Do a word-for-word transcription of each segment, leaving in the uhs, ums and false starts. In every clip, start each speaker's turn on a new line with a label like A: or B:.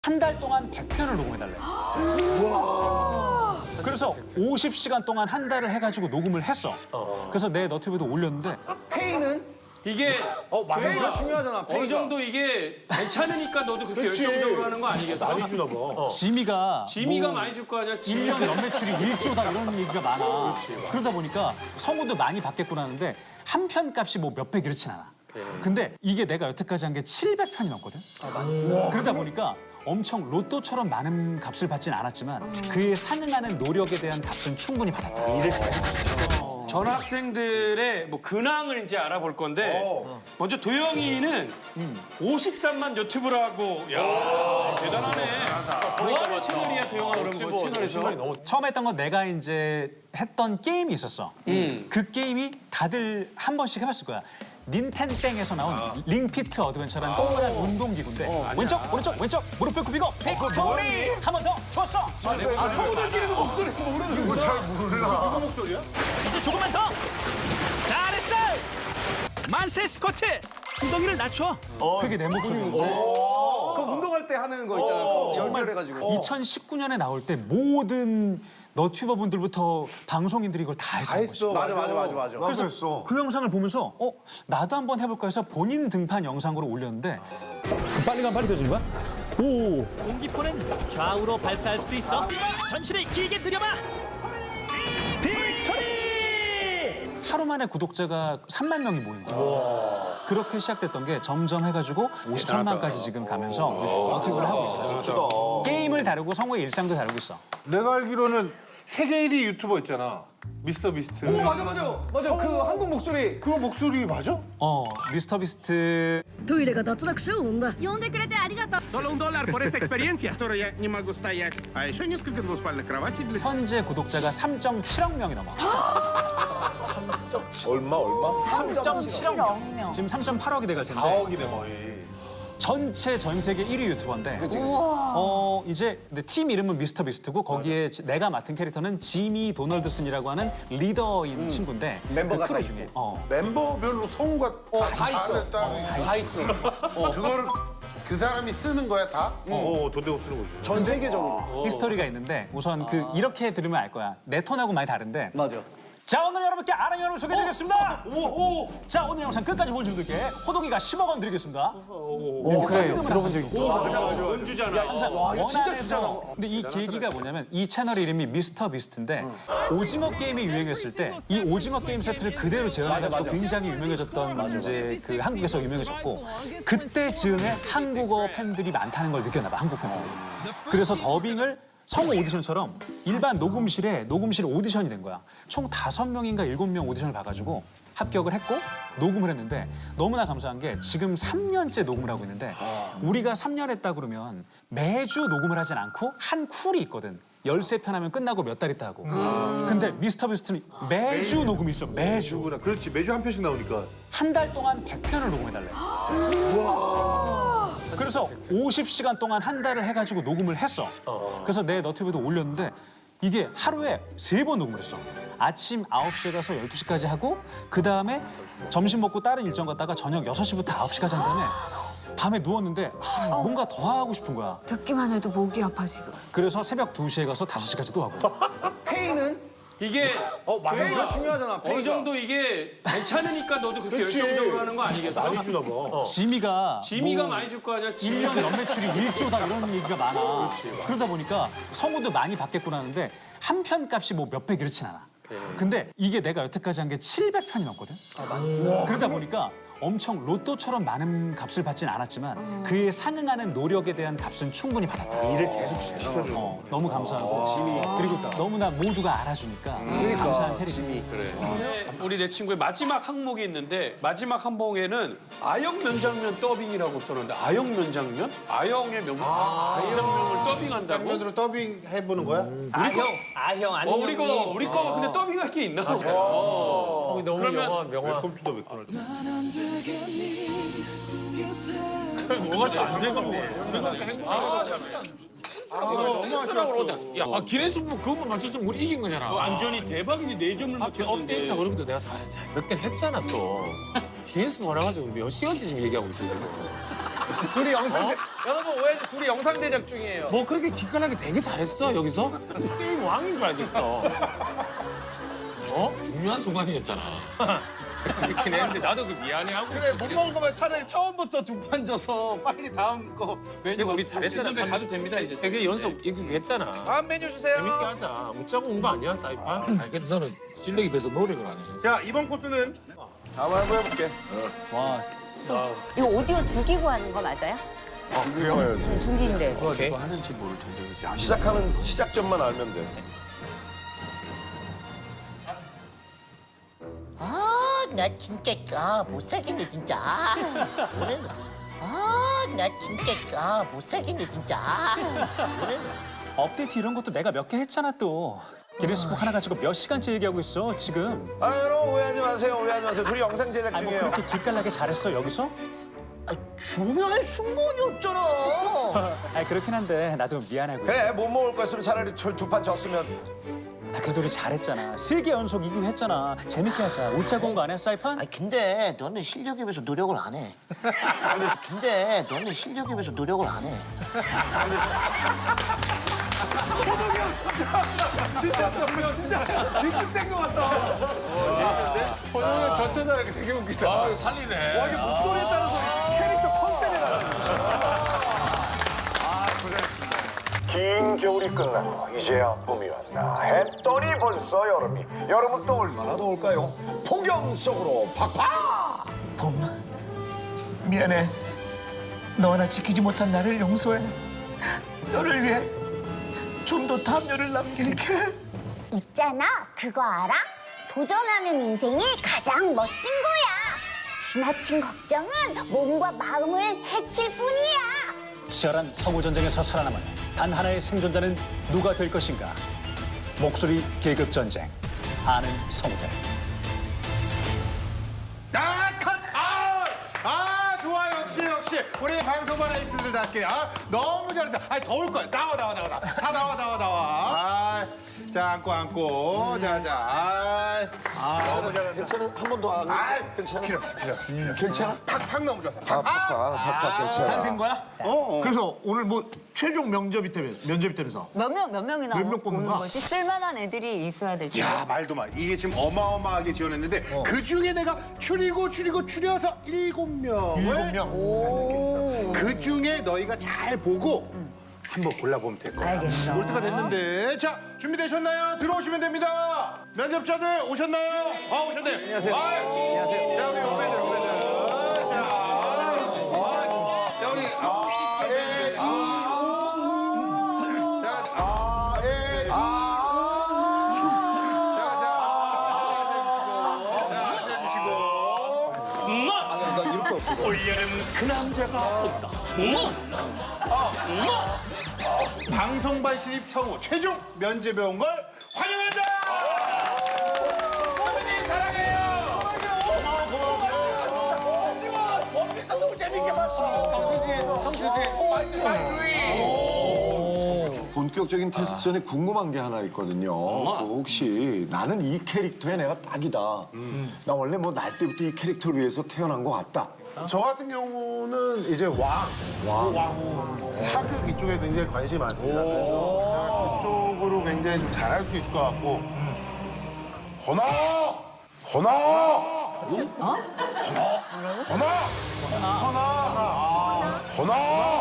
A: 한 달 동안 백 편을 녹음해달래. 그래서 오십 시간 동안 한 달을 해가지고 녹음을 했어. 그래서 내 너튜브에도 올렸는데
B: 페이는?
C: 이게
B: 어,
C: 페이가
B: 페이가 중요하잖아. 페이가.
C: 어느 정도 이게 괜찮으니까 너도 그렇게 열정적으로 하는 거 아니겠어?
D: 많이 주나 봐.
A: 지미가
C: 지미가
A: 뭐
C: 많이 줄 거 아니야?
A: 일
C: 지미
A: 년 연매출이 일조다 이런 얘기가 많아. 그러다 보니까 성우도 많이 받겠구나 하는데 한 편 값이 뭐 몇백 이렇진 않아. 근데 이게 내가 여태까지 한 게 칠백 편이 넘거든. 그러다 보니까 엄청 로또처럼 많은 값을 받진 않았지만 그에 상응하는 노력에 대한 값은 충분히 받았다.
C: 전학생들의 뭐 근황을 이제 알아볼 건데 먼저 도영이는 오십삼만 유튜브라고 야 대단하네. 뭐 하는 채널이야 도영아 그럼 뭐 채널에서?
A: 처음 했던 건 내가 이제 했던 게임이 있었어. 그 게임이 다들 한 번씩 해봤을 거야. 닌텐땡에서 나온 링피트 어드벤처라는 동그란 운동기구인데 왼쪽 오른쪽 왼쪽 무릎을 굽히고 빅토리 한 번 더 좋았어.
B: 아, 성우들끼리도 목소리 모르는 거야.
D: 잘 몰라. 누구 목소리야?
A: 이제 조금만 더 잘했어. 만세 스쿼트 엉덩이를 낮춰. 그게 내 목소리였어.
B: 그 운동할 때 하는 거 있잖아. 연결해가지고.
A: 이천십구 년에 나올 때 모든 너튜버 분들부터 방송인들이 이걸 다 했어.
D: 했어.
B: 맞아, 맞아, 맞아, 맞아.
A: 그래서
D: 했어.
A: 그 영상을 보면서 어 나도 한번 해볼까 해서 본인 등판 영상으로 올렸는데 빨리 가면 빨리 되는 거야? 오
E: 공기포는 좌우로 발사할 수도 있어. 전신을 길게 들여봐. 빅토리!
A: 하루 만에 구독자가 삼만 명이 모인 거야. 그렇게 시작됐던 게 점점 해가지고 오십삼만까지 지금 가면서 너튜브를 하고 있어. 게임을 다루고 성우의 일상도 다루고 있어.
D: 내가 알기로는 세계 일 위 유튜버 있잖아. 미스터 비스트.
B: 오, 맞아, 맞아. 맞아, 그 한국 목소리.
D: 그거 목소리 맞아?
A: 어 미스터 비스트
F: トイレが脱落者を生んだ
G: 呼んでくれてありがとう。
E: Solo un dólar por esta experiencia.
H: которой я не могу стоять. А еще несколько двуспальных кроватей для...
A: 현재 구독자가 삼 점 칠억 명이 넘어.
D: 얼마 얼마?
A: 삼 점 칠억 명. 지금 삼 점 팔억이 돼갈 텐데.
D: 사억이네 거의.
A: 전체 전 세계 일 위 유튜버인데 어 이제 근데 팀 이름은 미스터 비스트고 거기에 지- 내가 맡은 캐릭터는 지미 도널드슨이라고 하는 리더인 친구인데
B: 멤버가
A: 그 크루
B: 다
A: 중에 어
D: 멤버별로 성우가
B: 다 있어. 다 있어.
D: 그거를 그 사람이 쓰는 거야 다? 어, 돈 내고 쓰는 거지.
B: 전 세계적으로.
A: 히스토리가 있는데 우선 그 이렇게 들으면 알 거야. 내 톤하고 많이 다른데
B: 맞아.
A: 자 오늘 여러분께 아는 여러분 소개해드리겠습니다. 자 오늘 영상 끝까지 보신 분들께 호동이가 십억 원 드리겠습니다.
B: 오, 그래. 들어본 적 있어.
C: 돈 주잖아.
B: 와, 이거 진짜
A: 원안에서-
B: 주잖아.
A: 근데 이 계기가 뭐냐면 이 채널 이름이 미스터 비스트인데 오징어 게임이 유행했을 때 이 오징어 게임 세트를 그대로 재현해가지고 굉장히 유명해졌던 이제 그 한국에서 유명해졌고 그때 즈음에 한국어 팬들이 많다는 걸 느꼈나 봐 한국 팬들이. 그래서 더빙을 성우 오디션처럼 일반 녹음실에 녹음실 오디션이 된 거야. 총 다섯 명인가 일곱 명 오디션을 봐가지고 합격을 했고 녹음을 했는데 너무나 감사한 게 지금 삼 년째 녹음을 하고 있는데 우리가 삼 년 했다 그러면 매주 녹음을 하진 않고 한 쿨이 있거든. 열세 편 하면 끝나고 몇 달 있다 하고. 근데 미스터 비스트는 매주 녹음이 있어. 매주.
D: 누구나 그렇지 매주 한 편씩 나오니까.
A: 한 달 동안 백 편을 녹음해달래. 그래서 오십 시간 동안 한 달을 해가지고 녹음을 했어. 그래서 내 너튜브에도 올렸는데 이게 하루에 세 번 녹음을 했어. 아침 아홉 시에 가서 열두 시까지 하고 그 다음에 점심 먹고 다른 일정 갔다가 저녁 여섯 시부터 아홉 시까지 한 다음에 밤에 누웠는데 아, 뭔가 더 하고 싶은 거야.
G: 듣기만 해도 목이 아파 지금.
A: 그래서 새벽 두 시에 가서 다섯 시까지 또 하고.
B: 페이는?
C: 이게
B: 페이가 중요하잖아. 페이가.
C: 어느 정도 이게 괜찮으니까 너도 그렇게 열정적으로 하는 거 아니겠어?
D: 많이 주나 봐.
A: 지미가
C: 지미가
A: 뭐
C: 많이 줄 거 아니야?
A: 일
C: 지미
A: 년 연매출이 일조다 이런 얘기가 많아. 그러다 보니까 성우도 많이 받겠구나 하는데 한 편 값이 뭐 몇백 이렇진 않아. 근데 이게 내가 여태까지 한 게 칠백 편이 넘거든. 그러다 보니까 엄청 로또처럼 많은 값을 받진 않았지만 그에 상응하는 노력에 대한 값은 충분히 받았다.
D: 일을 계속 시켜줘.
A: 어, 너무 감사하고 그리고 너무나 모두가 알아주니까 감사한 캐릭터.
C: 우리 내 친구의 마지막 항목이 있는데 마지막 항목에는 아영 면장면 더빙이라고 써놓는데 아영 면장면? 아영의 명 면장면을 더빙한다고?
D: 장면으로 더빙 해보는 거야?
I: 아형, 아형
C: 어,
I: 아닌
C: 우리 거
I: 형님.
C: 우리 거 근데 더빙할 게 있나? 어.
I: 형이 너무
C: 그러면-
I: 명화 명화.
D: 컴퓨터 맥도날드.
I: 야, 아, 기내수부 그것만 맞췄으면 우리 이긴 거잖아.
C: 완전히 대박이지 네 점을
I: 앞에 업데이트
C: 맞췄는데
I: 그런 것도 내가 다 몇 개는 했잖아 또. 기내수부 알아가지고 몇 시간째 지금 얘기하고 있어 지금.
B: 둘이 영상 여러분 오해지 둘이 영상 제작 중이에요.
I: 뭐 그렇게 기깔나게 되게 잘했어 여기서? 게임 왕인 줄 알겠어. 어? 중요한 순간이었잖아. 그렇긴 했는데 나도 그 미안해하고.
B: 그래 못 먹은 거면 차라리 처음부터 두 판 져서 빨리 다음 거 메뉴
I: 우리
B: 왔으면
I: 잘했잖아.
B: 좋겠는데.
I: 가도 됩니다 이제. 세 개 연속 이거 했잖아.
B: 다음 메뉴 주세요.
I: 재밌게 하자. 웃자고 온 거 아니야 사이판? 알겠다. 너는 실력에 비해서 노력을 안 해.
D: 자, 이번 코스는
B: 한번 한번 해볼게.
G: 이거 오디오 죽이고 하는 거 맞아요?
J: 그래요.
G: 중기인데.
B: 오케이.
J: 시작하는 시작점만 알면 돼.
K: 아, 나 진짜 아, 못 살겠네 진짜. 아, 오늘 아, 나 진짜 아, 못 살겠네 진짜. 아, 오늘
A: 업데이트 이런 것도 내가 몇 개 했잖아 또. 기네스북 하나 가지고 몇 시간째 얘기하고 있어 지금.
J: 아 여러분 오해하지 마세요. 오해하지 마세요. 둘이 영상 제작
A: 아니 뭐
J: 중이에요.
A: 그렇게 기깔나게 잘했어 여기서?
K: 아, 중요한 순간이었잖아.
A: 아 그렇긴 한데 나도 미안하고 있어.
J: 그래 못 먹을 거였으면 차라리 두 판 졌으면.
A: 아, 그래도 우리 잘했잖아. 세 개 연속 이기고 했잖아. 재밌게 하자. 웃자고 온 거 아니야 사이판?
K: 아, 근데 너는 실력에 비해서 노력을 안 해. 근데 너는 실력에 비해서 노력을 안 해.
B: 호동이 형 진짜 진짜 진짜 위축된 것 같다.
I: 호동이 저때다 이렇게 되게 웃기다. 아 살리네.
B: 와 이게 목소리에 따라서 캐릭터 컨셉이 달라.
J: 긴 겨울이 끝나고 이제야 봄이 왔다 했더니 벌써 여름이. 여름은 또 얼마나 더울까요? 폭염 속으로 팍팍.
K: 봄, 미안해. 너 하나 지키지 못한 나를 용서해. 너를 위해 좀 더 담요를 남길게.
G: 있잖아. 그거 알아? 도전하는 인생이 가장 멋진 거야. 지나친 걱정은 몸과 마음을 해칠 뿐이야.
A: 치열한 서부 전쟁에서 살아남은 단 하나의 생존자는 누가 될 것인가? 목소리 계급 전쟁. 아는 성우들.
D: 아, 컷! 아, 아, 좋아 역시 역시 우리 방송반 에이스들답게 아 너무 잘했어. 아 더울 거야. 나와 나와 나와 나와. 다 나와 나와 나와. 아, 자 앉고 앉고. 자자. 아,
J: 너무 잘해. 괜찮아? 한 번 더 안.
D: 아,
J: 괜찮아?
D: 필요 없어 필요 없어.
J: 괜찮아?
D: 팍팍 너무 좋았어.
J: 아, 팍팍, 팍팍 괜찮아.
B: 된 거야? 어. 그래서 오늘 뭐 최종 명접이 때문에 면접이 때면서
G: 몇 명, 몇 명이나
B: 몇명 뽑는
G: 오는
B: 거야?
G: 거지? 쓸만한 애들이 있어야 되지.
D: 야 말도 마. 이게 지금 어마어마하게 지원했는데 그 중에 내가 추리고 추리고 추려서 일곱 명을
B: 일곱 명.
D: 그 중에 너희가 잘 보고 한번 골라보면 될 거야.
G: 알겠어.
D: 올 때가 됐는데 자 준비되셨나요? 들어오시면 됩니다. 면접자들 오셨나요? 아 오셨네요. 안녕하세요. 안녕하세요. 자 우리 후배들 후배들. 자, 아, 자 우리 아, 예, 아, 자, 아, 예, 아, 자, 자, 앉아주시고, 자, 앉아주시고.
C: 올여름 그 남자가 온다.
D: 방송반 신입 성우 최종 면접에 온 걸 환영한다!
I: 선생님 사랑해요. 원피스 너무 재밌게 봤어. 형수지, 형수지, 완전 완주이.
J: 본격적인 테스트 전에 궁금한 게 하나 있거든요. 그 혹시 나는 이 캐릭터에 내가 딱이다. 나 원래 뭐 날 때부터 이 캐릭터를 위해서 태어난 것 같다.
D: 저 같은 경우는 이제 왕, 왕, 사극 이쪽에 굉장히 관심이 많습니다. 그래서 제가 그쪽으로 굉장히 좀 잘할 수 있을 것 같고. 허나, 허나, 허나, 허나, 허나,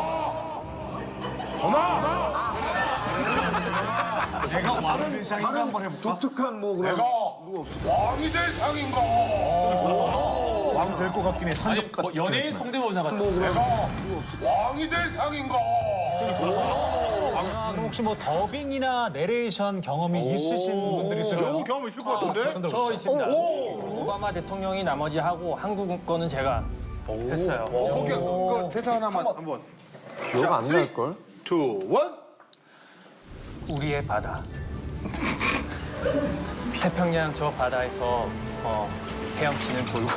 D: 허나, 허나.
J: 내가 왕을 될 상인가 한번 해볼까? 독특한 뭐 그런
D: 내가 왕이 될 상인가?
J: 왕 될 것 같긴 해. 산적
I: 뭐
J: 같은.
I: 연예인 성대모사 같은.
J: 뭐 그런.
D: 내가 왕이 될 상인가?
A: 아, 그럼 혹시 뭐 더빙이나 내레이션 경험이 있으신 분들이 있을까요?
D: 요거 경험 있을 것 같은데?
E: 저 있습니다. 오바마 대통령이 나머지 하고 한국 거는 제가 했어요.
D: 어, 거기 그 대사 하나만 한번.
J: 기억 안 날 걸?
D: 투, 원.
E: 우리의 바다. 태평양 저 바다에서 어, 헤엄치는 돌고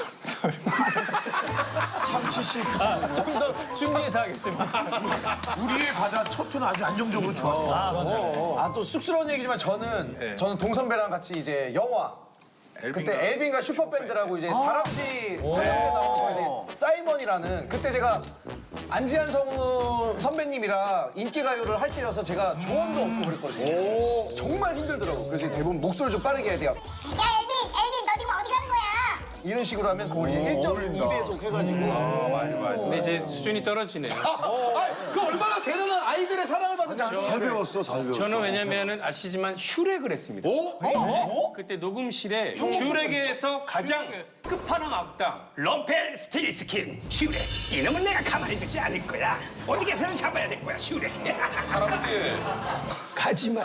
J: 참치씨.
E: 좀 더 준비해서 하겠습니다.
B: 우리의 바다 첫 톤은 아주 안정적으로 좋았어. 아 또 쑥스러운 얘기지만 저는 저는 동선배랑 같이 이제 영화 그때 엘빈과 슈퍼밴드라고 이제 다람쥐 삼형제 나온 거 이제 사이먼이라는 그때 제가 안지한 성우 선배님이랑 인기가요를 할 때여서 제가 조언도 얻고 그랬거든요. 정말 힘들더라고. 그래서 대부분 목소리 좀 빠르게 해야 돼요.
G: 야 엘빈 엘빈 너 지금 어디 가는 거야?
B: 이런 식으로 하면 그걸 이제 일 점 이 배속 해가지고.
C: 근데 이제 수준이 떨어지네요.
B: 그 얼마나 대단한 아이들의 사랑을 받은 장치. 잘 배웠어, 잘 배웠어.
C: 저는 왜냐면은 아시지만 슈렉을 했습니다. 그때 녹음실에 슈렉에서 가장 끝판왕 악당 럼펠 스틸스킨 슈렉 이놈은 내가 가만히 두지 않을 거야. 어디에서는 잡아야 될 거야 슈렉.
I: 할아버지.
C: 가지마.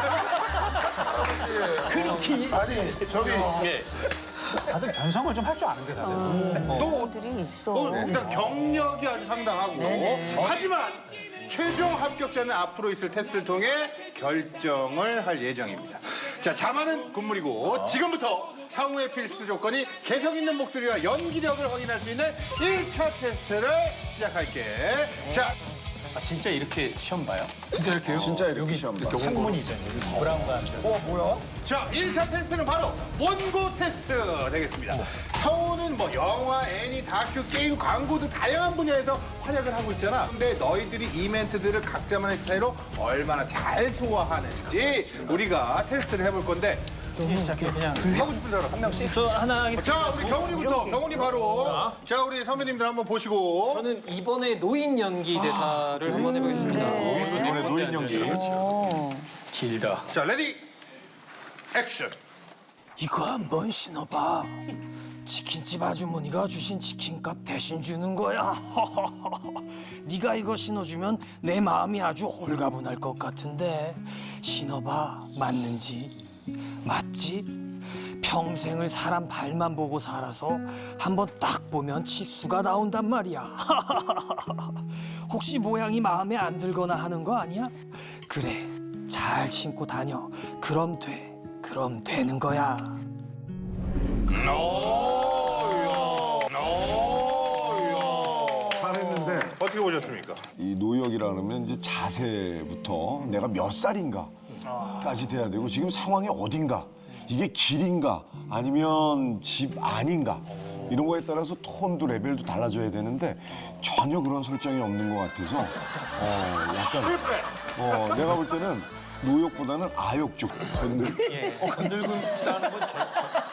C: 그렇게
D: 아니 저기
A: 다들 변성을 좀 할 줄 아는데 다들.
D: 또
G: 들이 있어.
D: 또 일단 경력이 아주 상당하고 하지만 최종 합격자는 앞으로 있을 테스트를 통해 결정을 할 예정입니다. 자, 자만은 군물이고 지금부터 상우의 필수 조건이 개성 있는 목소리와 연기력을 확인할 수 있는 일 차 테스트를 시작할게. 자,
C: 아, 진짜 이렇게 시험 봐요?
A: 진짜 이렇게요? 진짜 이렇게 시험 창문이 이제 브라운과 함께.
B: 어, 뭐야?
D: 자, 일 차 테스트는 바로 원고 테스트 되겠습니다. 성우는 뭐 영화, 애니, 다큐, 게임, 광고 등 다양한 분야에서 활약을 하고 있잖아. 근데 너희들이 이 멘트들을 각자만의 스타일로 얼마나 잘 소화하는지 우리가 테스트를 해볼 건데
E: 시작해 그냥.
D: 하고 싶은 사람 한 명씩.
E: 저 하나 하겠습니다.
D: 자, 우리 경훈이부터. 경훈이 바로. 자, 우리 선배님들 한번 보시고.
E: 저는 이번에 노인 연기 대사를 한번 해보겠습니다.
D: 이번에 노인 연기.
C: 길다.
D: 자, 레디. 액션.
E: 이거 한번 신어봐. 치킨집 아주머니가 주신 치킨값 대신 주는 거야. 네가 이거 신어주면 내 마음이 아주 홀가분할 것 같은데 신어봐. 맞는지? 맞지? 평생을 사람 발만 보고 살아서 한번 딱 보면 치수가 나온단 말이야. 혹시 모양이 마음에 안 들거나 하는 거 아니야? 그래, 잘 신고 다녀. 그럼 돼. 그럼 되는 거야.
D: 잘했는데. 어떻게 보셨습니까?
L: 이 노역이라 그러면 이제 자세부터 내가 몇 살인가까지 돼야 되고 지금 상황이 어딘가 이게 길인가 아니면 집 아닌가 이런 거에 따라서 톤도 레벨도 달라져야 되는데 전혀 그런 설정이 없는 것 같아서 어 약간 어 내가 볼 때는 노역보다는 아역 쪽 건들
E: 건들군 싸는 건 절...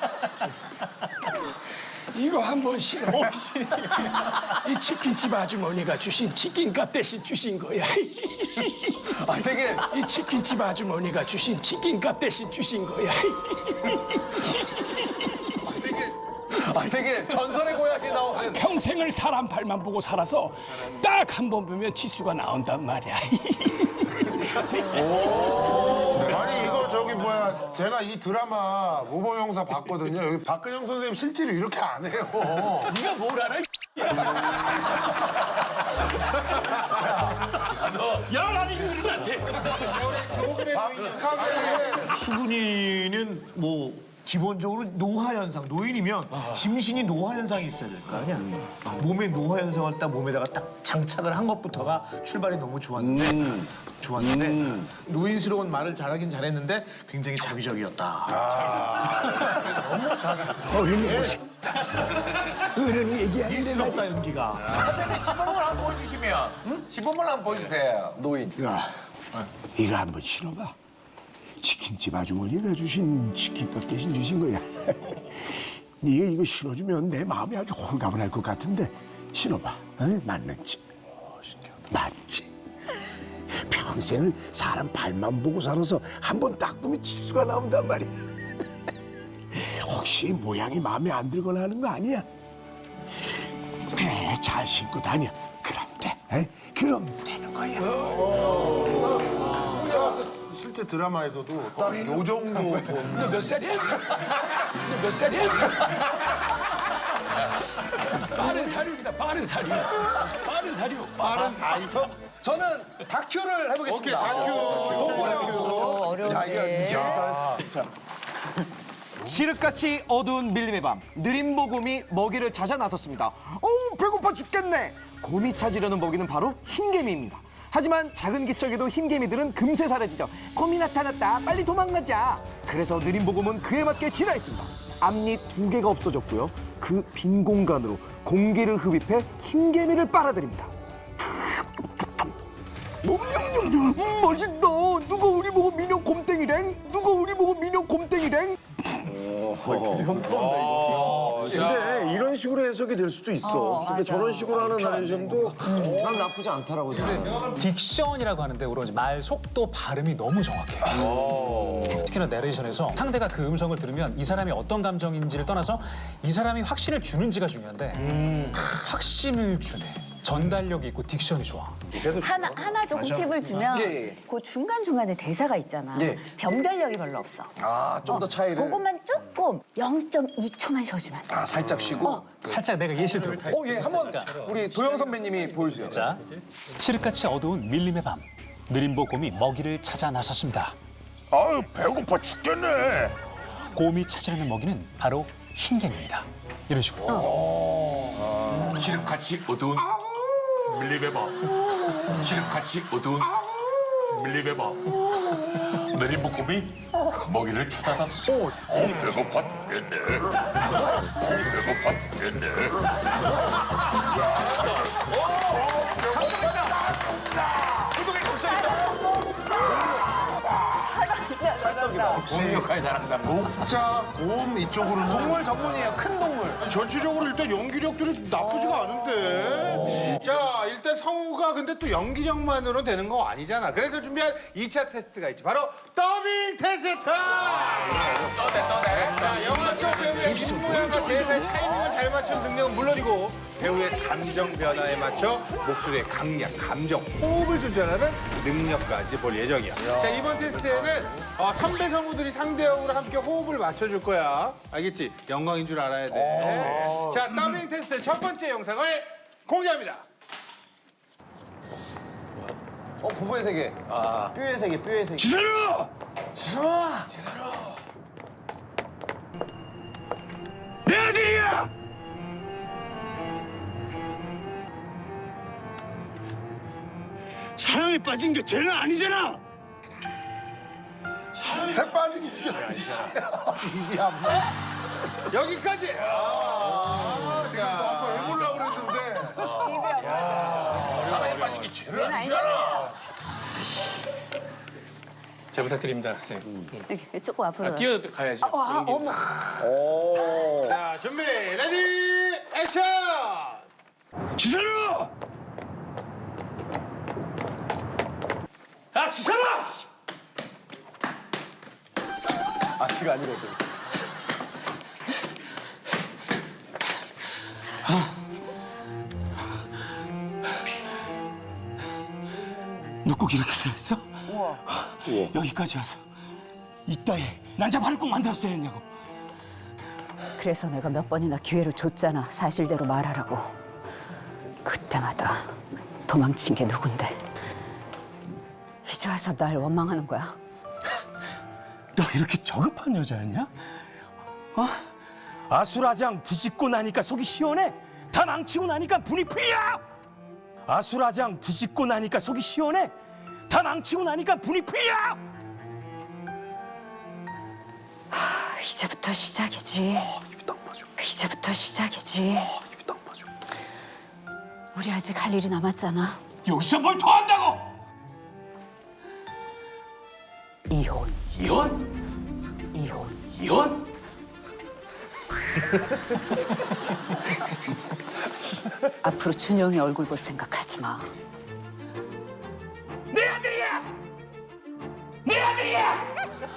C: 이거 한번 신어. 이 치킨집 아주머니가 주신 치킨값 대신 주신 거야.
B: 아, 되게.
C: 이 치킨집 아주머니가 주신 치킨값 대신 주신 거야.
B: 아, 되게 전설의 고향에 나오는.
C: 평생을 사람 발만 보고 살아서 딱 한 번 보면 치수가 나온단 말이야.
D: 아니 이거 저기 뭐야 제가 이 드라마 모범영사 봤거든요. 여기 박근영 선생님 실제로 이렇게 안 해요.
C: 네가 뭘 알아? 야, 나는 이분한테.
K: 수근이는 뭐 기본적으로 노화 현상, 노인이면 심신이 노화 현상이 있어야 될 거 아니야. 몸에 노화 현상을 딱 몸에다가 딱 장착을 한 것부터가 출발이 너무 좋았는데 좋았는데 노인스러운 말을 잘하긴 잘했는데 굉장히 자기적이었다. 너무 자기. 어른이 어른이 얘기하는데 일스럽다 연기가.
I: 선배님 시범을 한번 보여주시면. 응? 시범을 한번 보여주세요.
K: 노인.
L: 야 이거 한번 신어봐. 치킨집 아주머니가 주신 치킨값 대신 주신 거야. 네가 이거 신어주면 내 마음이 아주 홀가분할 것 같은데 신어봐. 어? 맞는지? 맞지? 평생을 사람 발만 보고 살아서 한 번 딱 보면 치수가 나온단 말이야. 혹시 모양이 마음에 안 들거나 하는 거 아니야? 그래, 잘 신고 다녀. 그럼 돼. 에? 그럼 되는 거야.
D: 실제 드라마에서도 딱 요 정도 본.
C: 몇 살이야? 몇 살이야? 빠른 사료이다. 빠른 사료. 빠른 사료.
D: 빠른 사이석?
B: 저는 다큐를 해보겠습니다.
D: 오케이, 다큐.
B: 동물이요. 야, 이거 미치겠다. 칠흑같이 어두운 밀림의 밤, 느린 보금이 먹이를 찾아 나섰습니다. 어우, 배고파 죽겠네. 곰이 찾으려는 먹이는 바로 흰개미입니다. 하지만 작은 기척에도 흰개미들은 금세 사라지죠. 곰이 나타났다. 빨리 도망가자. 그래서 느린 보금은 그에 맞게 진화했습니다. 앞니 두 개가 없어졌고요. 그 빈 공간으로 공기를 흡입해 흰개미를 빨아들입니다. 음, 맛있다. 누가 우리 보고 민영 곰땡이랭? 누가 우리 보고 민영 곰땡이랭?
K: 근데 이런 식으로 해석이 될 수도 있어. 그러니까 저런 식으로 하는 나레이션도 난 나쁘지 않다라고 생각해.
A: 딕션이라고 하는데 우리가 이제 말 속도 발음이 너무 정확해요. 특히나 내레이션에서 상대가 그 음성을 들으면 이 사람이 어떤 감정인지를 떠나서 이 사람이 확신을 주는지가 중요한데 확신을 주네. 전달력이 있고 딕션이 좋아.
G: 하나 하나 조금 팁을 주면
B: 예, 예.
G: 그 중간 중간에 대사가 있잖아.
B: 예.
G: 변별력이 별로 없어.
B: 아, 좀 더 차이를.
G: 그것만 조금 영 점 이 초만 쉬어주면 돼.
B: 아, 살짝 쉬고.
A: 살짝 내가 예시를 들어볼게.
B: 어, 예, 한번 우리 도영 선배님이 보여주세요.
A: 자, 칠흑같이 어두운 밀림의 밤. 느림보 곰이 먹이를 찾아 나섰습니다.
J: 아유 배고파 죽겠네.
A: 곰이 찾으려는 먹이는 바로 흰개미입니다. 이런 식으로.
J: 칠흑같이 어두운 밀림의 밤. 칠흑같이 어두운 밀림의 밤. 느림보 곰이 먹이를 찾아 나섰어. 배고파 죽겠네. 배고파 죽겠네.
D: 역할 잘한다. 목자, 곰 이쪽으로는
B: 동물 전문이에요. 큰 동물.
D: 전체적으로 일단 연기력들이 나쁘지가 않은데. 자, 일단 성우가 근데 또 연기력만으로 되는 거 아니잖아. 그래서 준비한 이 차 테스트가 있지. 바로 더빙 테스트! 떠대, 떠대. 자, 영화 쪽 배우의 입모양과 대사의 타이밍을 잘 맞춘 능력은 물론이고 배우의 감정 변화에 맞춰 목소리의 강약, 감정, 호흡을 조절하는 능력까지 볼 예정이야. 자, 이번 테스트에는 어, 선배 성우들이 상대역으로 함께 호흡을 맞춰줄 거야. 알겠지? 영광인 줄 알아야 돼. 자, 더빙 테스트 첫 번째 영상을 공개합니다.
B: 어, 부부의 세계. 아, 뼈의 세계, 뼈의 세계.
J: 지선아!
B: 지선아!
J: 내 아들이야! 사랑에 빠진 게 죄는 아니잖아!
D: 새 빠지기 진짜. 입이 안 맞. 여기까지. 아, 지금 너무 왜 몰라 그랬는데.
J: 사랑에 빠진 게 죄는 아니잖아!
C: 잘 부탁드립니다, 선생님.
G: 이렇게 조금 앞으로.
C: 뛰어가야죠.
G: 어, 아, 어머.
D: 자, 준비, 레디, 액션!
J: 지선아! 아, 지선아!
B: 아직 아니거든.
E: 너 꼭 이렇게 생각했어? 우와. 여기까지 와서 이따에 난자발을 꼭 만들었어야 했냐고.
G: 그래서 내가 몇 번이나 기회를 줬잖아. 사실대로 말하라고. 그때마다 도망친 게 누군데. 이제 와서 날 원망하는 거야.
E: 너 이렇게 저급한 여자였냐? 어? 아수라장 뒤집고 나니까 속이 시원해? 다 망치고 나니까 분이 풀려! 아수라장 뒤집고 나니까 속이 시원해? 다 망치고 나니까 분이 풀려!
G: 하, 이제부터 시작이지. 이제부터 시작이지. 우리 아직 할 일이 남았잖아.
E: 여기서 뭘 더 한다고!
G: 이혼.
E: 이혼?
G: 이혼.
E: 이혼?
G: 앞으로 준영이 얼굴 볼 생각하지 마.
E: 내 아들이야! 내 아들이야!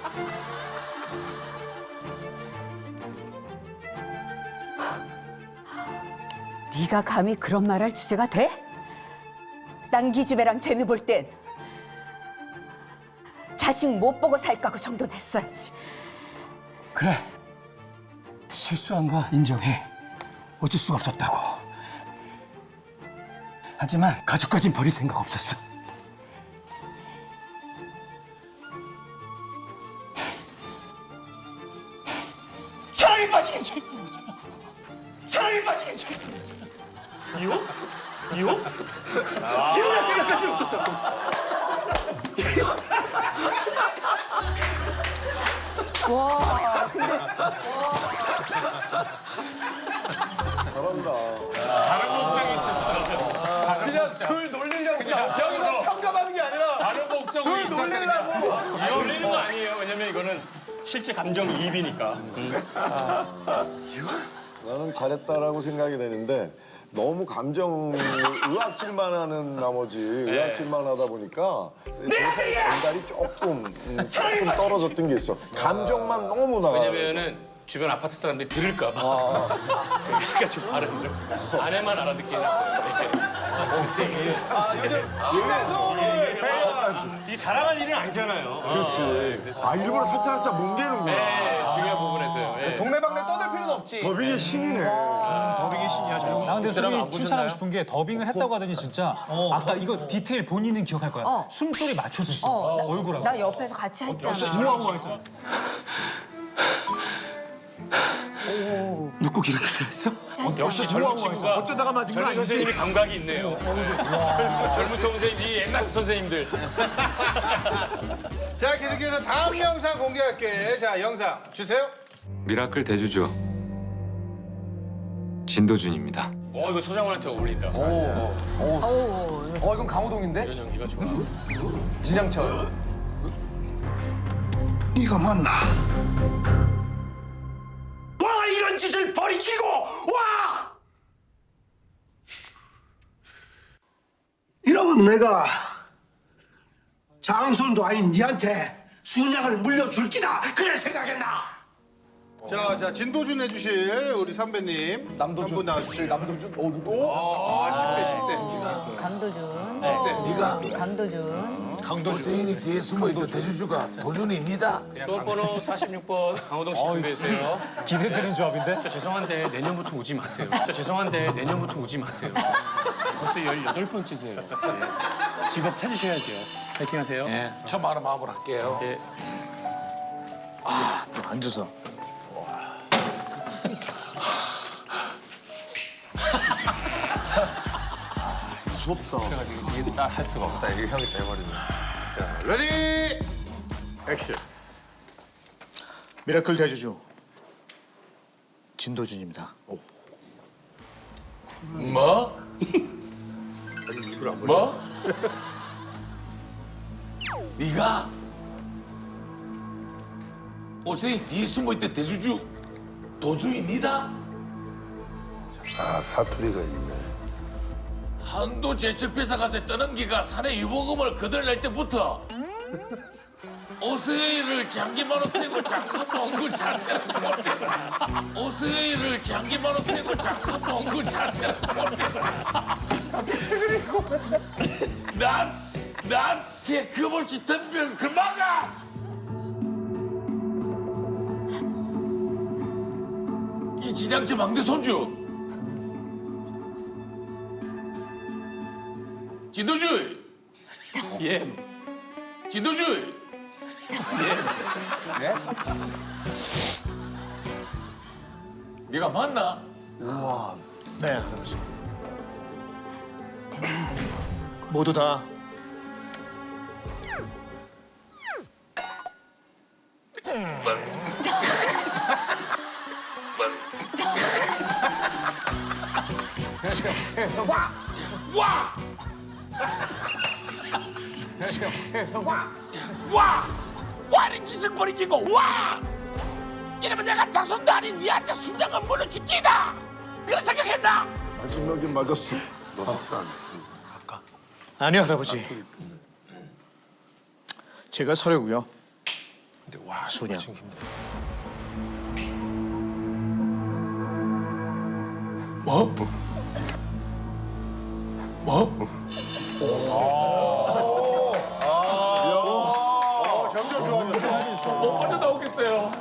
G: 네가 감히 그런 말할 주제가 돼? 딴 기집애랑 재미 볼 땐 자식 못 보고 살까 그 정도는 했어야지.
E: 그래, 실수한 거 인정해. 어쩔 수가 없었다고. 하지만 가족까진 버릴 생각 없었어. 사랑에 빠지긴 죄인이잖아. 사랑에 빠지긴 죄인이잖아. 이혼? 이혼? 이혼할 생각까지 없었다고.
G: 와, 근데 와.
B: 뭘 놀리려고.
C: 아, 놀리는 거 아니에요. 왜냐면 이거는 실제 감정이입이니까.
L: 나는 잘했다라고 생각이 되는데 너무 감정 의학질만 하는 나머지 의학질만 하다 보니까 대사의 전달이 조금 음, 조금 떨어졌던 게 있어. 감정만 너무 나가.
C: 왜냐면은 주변 아파트 사람들이 들을까 봐. 그러니까 좀 발음을 아내만 알아듣게 해놨어요. 되게
B: 아 요즘 층간소음을 배려하지.
C: 이 자랑할 일은 아니잖아요. 그렇지.
L: 아 일부러 살짝 살짝 뭉개는구나.
C: 네, 중요한 부분에서요. 예.
B: 동네방네 떠들 필요는 없지.
L: 더빙의 신이네.
K: 더빙의 신이야 저.
A: 나 근데 수빈이 칭찬하고 싶은 게 더빙을 했다고 하더니 진짜 아까 이거 디테일 본인은 기억할 거야.
G: 어.
A: 숨소리 맞춰서 했어.
G: 어, 나,
A: 얼굴하고.
G: 나 옆에서 같이 했잖아.
A: 우아우아 했잖아.
C: 눕고 이렇게 했어? 역시 젊은 친구가
K: 어쩌다가 맞은 거
C: 젊은
K: 아니지?
C: 선생님이 감각이 있네요. 젊은, 젊은 선생님, 이 옛날 선생님들.
D: 자, 계속해서 다음 영상 공개할게. 자, 영상 주세요.
M: 미라클 대주주 진도준입니다.
C: 어, 이거 서장훈한테 어울린다.
B: 어 이건 강호동인데?
C: 이런 연기가 좋아.
B: 진양철.
J: 네가 맞나? 와 이런 짓을 버리키고 와! 이러면 내가 장손도 아닌 니한테 순양을 물려줄 기다 그래 생각했나?
D: 자, 자, 진도준 해주실 우리 선배님.
B: 남도준.
D: 한분 나와주세요.
B: 남도준. 어 누구?
D: 아, 십 대, 십 대.
G: 강도준.
D: 네가
G: 강도준.
K: 강도준이 뒤에 숨어있던 대주주가 도준입니다.
C: 수험번호 사십육 번 강호동 씨 준비해주세요.
A: 기대되는 조합인데?
C: 저 죄송한데 내년부터 오지 마세요. 저 죄송한데 내년부터 오지 마세요. 벌써 열여덟 번째세요. 예. 직업 찾으셔야죠. 파이팅 하세요.
K: 예, 저 말은 마음으로 할게요.
C: 예.
K: 아, 또 앉아서.
I: 이게 딸할 수가 없다. 이게 형이 돼버리네.
D: 레디 액션.
K: 미라클 대주주 진도준입니다.
I: 뭐? 뭐? 네가 옷에 뒤에 숨어있던 대주주 도주입니다.
L: 아 사투리가 있네.
I: 한도 제철피사가서 떠는 기가 산의 유보금을 거들낼 때부터 오세이를 장기만로 세고 장금 몽구 자태라고 합니다. 오세이를 장기만로 세고 장금 몽구 자태라고 합니다. 난, 나한테 그물치 덤벼 그만가! 이 진양제 망대 손주 진도주의
C: 예.
I: 진도주의 예? 네가 맞나?
K: 네, 할아버지. 모두 다
I: 와! 와! 와! 와! 와는 짓을 벌이기고 와! 이러면 내가 장손도 아닌 니한테 순장을 물어주기다! 그런 생각했나?
L: 마지막엔 맞았어.
K: 아니요, 할아버지. 제가 서려고요. 순양.
I: 뭐? 뭐?
D: 어, 점점 좋아졌어.
I: 못 빠져나오겠어요.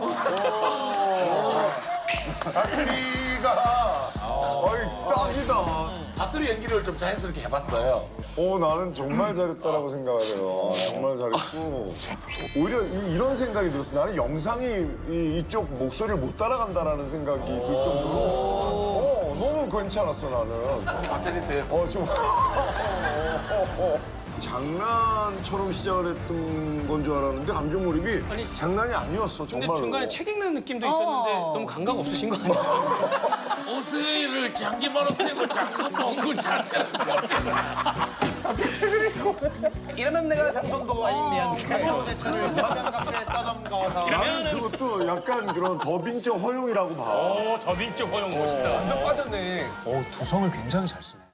L: 사투리가 어이 딱이다.
I: 사투리 연기를 좀 자연스럽게 해봤어요.
L: 어 나는 정말 잘했다라고 생각해요. 정말 잘했고 오히려 이, 이런 생각이 들었어. 나는 영상이 이, 이쪽 목소리를 못 따라간다라는 생각이 들 정도로 어, 너무 괜찮았어 나는.
I: 마찬가지세요.
L: 어 좀. 어, 어. 장난처럼 시작을 했던 건 줄 알았는데 감정 몰입이
C: 아니,
L: 장난이 아니었어
C: 근데
L: 정말로.
C: 중간에 책 읽는 느낌도 있었는데 너무 감각 없으신 거 아니에요?
I: 오세이를 장기만로 세고 장금 몽구 자태라고 합니다.
B: 이러면 내가 장손도 아니냐는데
D: 무한장갑에 떠넘겨서
L: 나는 그것도 약간 그런 더빙적 허용이라고 봐.
I: 오, 더빙적 허용 멋있다.
B: 완전 빠졌네.
A: 어, 두성을 굉장히 잘 쓰네.